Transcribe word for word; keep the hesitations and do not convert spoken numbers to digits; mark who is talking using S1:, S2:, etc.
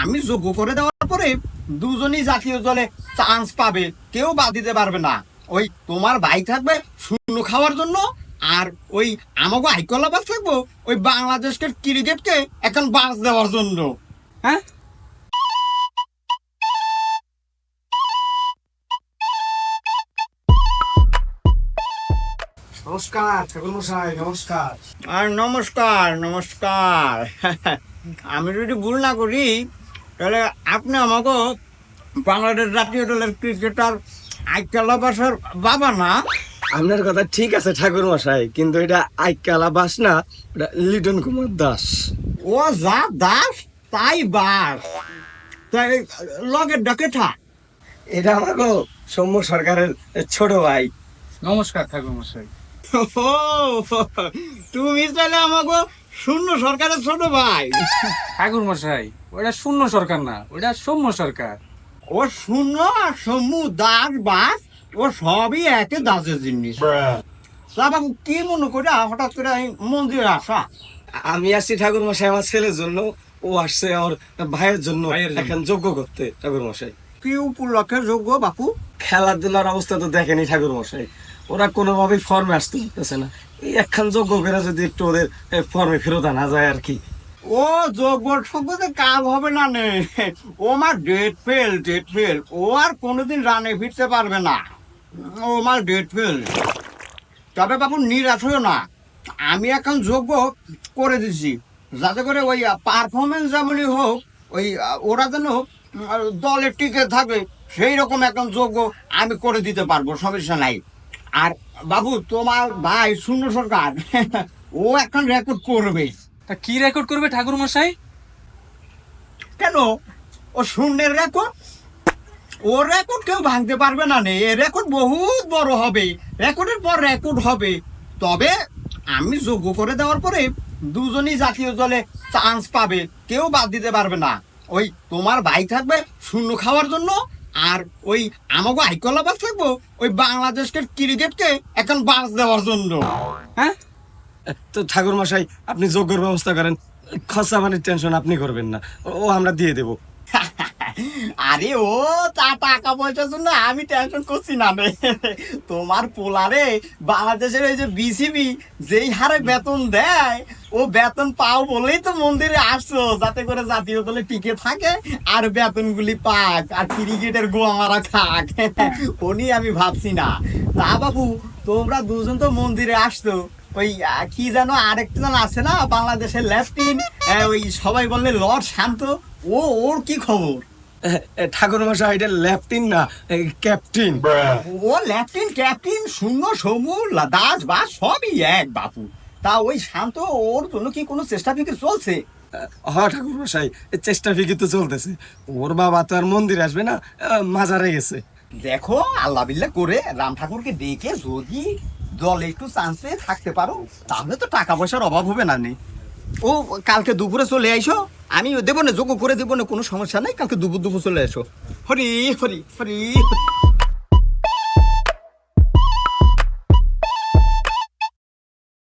S1: আমি যোগ্য করে দেওয়ার পরে দুজনই জাতীয় দলে চান্স পাবে, কেউ বাদ দিতে পারবে না। ওই তোমার ভাই থাকবে শূন্য খাওয়ার জন্য, আর ওই আমাকে আইকলাবাস থাকবো ওই বাংলাদেশকে ক্রিকেটকে এখন বাস দেওয়ার জন্য।
S2: হ্যাঁ,
S3: নমস্কার ঠাকুর মশাই, নমস্কার।
S1: আর নমস্কার নমস্কার আমি যদি ভুল না করি তাহলে আপনি আমাকে বাংলাদেশ জাতীয় দলের ক্রিকেটার আইকলাবাসের বাবা না?
S3: আপনার কথা ঠিক আছে ঠাকুর মশাই, কিন্তু এটা আইকালা বাস না, এটা লিটন কুমার দাস।
S1: ও যা দাস তাই বাস, তাই লগের ডাকে থাক।
S3: এটা আমার গো সৌম্য সরকারের ছোট ভাই।
S2: নমস্কার ঠাকুর মশাই।
S1: ও, তুমি তাহলে আমাকে শূন্য সরকারের ছোট ভাই?
S2: ঠাকুর মশাই, ওটা শূন্য সরকার না, ওটা সৌম্য সরকার।
S1: ও শূন্য আর সমু দাস বাস ও সবই একে দাসের জিনিস। তা বাবু কি মনে করে হঠাৎ করে এই মন্দিরে আসা?
S3: আমি আসছি ঠাকুর মশাই আমার ছেলের জন্য, ও আসছে আমার ভাইয়ের জন্য
S2: ভাইয়ের জন্য।
S3: এখন যোগ্য করতে। ঠাকুর মশাই,
S1: কি উপলক্ষে যোগ্য বাপু?
S3: খেলাধুলার অবস্থা তো দেখেনি ঠাকুর মশাই, ওরা কোনোভাবেই ফর্মে আসতে পারতেছে না। এই একখান যোগ্য করে যদি একটু ওদের ফর্মে ফেরত আনা যায় আর কি।
S1: ও যোগ্য সম্পদে কাজ হবে না নে, ও আমার ডেট ফেল ডেট ফেল ও আর কোনোদিন রানে ফিরতে পারবে না, ও আমার ডেট ফেল। তবে বাবু নিরাশ হইও না, আমি এখন যোগ্য করে দিছি, যাতে করে ওই পারফরমেন্স যেমনই হোক ওই আহ, ওরা যেন আহ, দলে টিকে থাকে সেই রকম এখন যোগ্য আমি করে দিতে পারবো, সমস্যা নাই। আর বাবু তোমার ভাই শূন্য সরকার ও এখন রেকর্ড করবে।
S2: তা কি রেকর্ড করবে ঠাকুর মশাই?
S1: কেন? ও শূন্যের রেকর্ড, ও রেকর্ড কেউ ভাঙতে পারবে না নে, এ রেকর্ড বহুত বড় হবে, রেকর্ডের পর রেকর্ড হবে। তবে আমি যোগ্য করে দেওয়ার পরে দুজনই জাতীয় দলে চান্স পাবে, কেউ বাদ দিতে পারবে না। ওই তোমার ভাই থাকবে শূন্য খাওয়ার জন্য, আর ওই আমাকে আইকলাবাস থাকবো ওই বাংলাদেশকে ক্রিকেটকে এখন বাস দেওয়ার জন্য।
S2: হ্যাঁ,
S3: তো ঠাকুর মশাই আপনি যোগ্যর ব্যবস্থা করেন, খরচা পানির টেনশন আপনি করবেন না, ও আমরা দিয়ে দেবো।
S1: আরে ও তা টাকা পয়সার জন্য আমি টেনশন করছি না রে। তোমার পোলারে বাংলাদেশের ওই যে বিসিবি যেই হারে বেতন দেয়, ও বেতন পাও বলেই তো মন্দিরে আসছো, যাতে করে জাতীয় দলে টিকে থাকে আর বেতনগুলি পাক আর ক্রিকেটের গোয়া মারা খাক। ও নিয়ে আমি ভাবছি না। তা বাবু তোমরা দুজন তো মন্দিরে আসছো, ওই আহ, কি যেন আরেকটা জন আছে না বাংলাদেশের লেফটিন, ওই সবাই বললে লর্ড শান্ত, ও ওর কি খবর?
S3: ঠাকুর মশাই এটা লেফটিন না, ক্যাপ্টেন।
S1: ও লেফটিন ক্যাপ্টেন শূন্য সমূহ দাস বা সবই এক বাপু। তা ওই শান্ত ওর জন্য কি কোনো চেষ্টা ফিকির চলছে?
S3: হ ঠাকুর মশাই, চেষ্টা ফিকি তো চলতেছে। ওর বাবা তো আর মন্দির আসবে না, আহ, মাজারে গেছে।
S1: দেখো আল্লাহ বিল্লাহ করে রাম ঠাকুরকে ডেকে যদি দলে একটু চান্স পেয়ে থাকতে পারো তাহলে তো টাকা পয়সার অভাব হবে না নে। ও কালকে দুপুরে চলে আইসো, আমি দেবো না যোগ্য করে দেবো না, কোনো সমস্যা নাই, কালকে দুপুর দুপুর চলে এসো। হরি হরি হরি।